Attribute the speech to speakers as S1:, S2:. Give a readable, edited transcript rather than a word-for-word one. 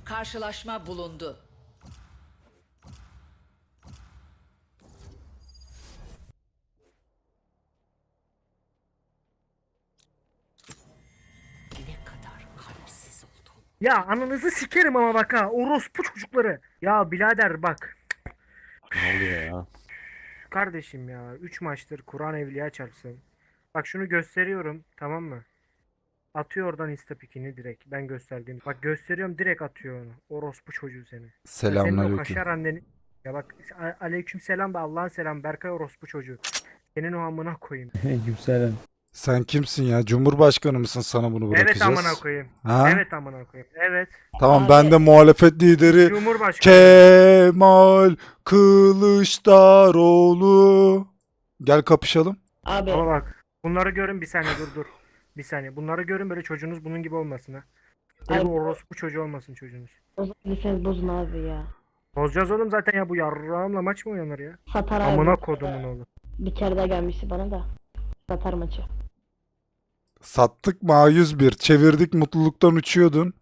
S1: Karşılaşma bulundu. Ne kadar kalpsiz oldun.
S2: Ya ananızı sikerim ama bak ha. Orospu çocukları. Ya birader bak.
S3: Ne oluyor ya?
S2: Kardeşim ya. 3 maçtır Kur'an evliya çarpsın. Bak şunu gösteriyorum. Tamam mı? Atıyor oradan istapikini direkt. Ben gösterdiğim. Bak gösteriyorum direkt atıyor onu. Orospu çocuğu seni. Ya senin o
S3: Selamünaleyküm.
S2: kaşar anneni. Ya bak aleyküm selam da Allah'ın selam. Berkay orospu çocuğu. Senin o amına koyayım.
S4: Aleykümselam.
S3: Sen kimsin ya? Cumhurbaşkanı mısın, sana bunu
S2: Evet
S3: bırakacağız?
S2: amına koyayım.
S3: Ha?
S2: Evet amına koyayım. Evet.
S3: Tamam,
S5: Abi.
S3: ben de muhalefet lideri
S2: Cumhurbaşkanı.
S3: Kemal Kılıçdaroğlu. Gel kapışalım.
S5: Abi
S2: Ama bak bunları görün bir saniye dur. Bir saniye. Bunları görün böyle çocuğunuz bunun gibi olmasın ha. Böyle bir
S5: Abi.
S2: orospu çocuğu olmasın çocuğunuz.
S5: bozabilirseniz bozun abi ya.
S2: Bozacağız oğlum zaten ya bu yarrağımla maç mı oynanır ya?
S5: Satar abi.
S2: Amına kodumun oğlu.
S5: Bir kere daha gelmişti bana da. Satar maçı.
S3: Sattık mı A101? Çevirdik, mutluluktan uçuyordun.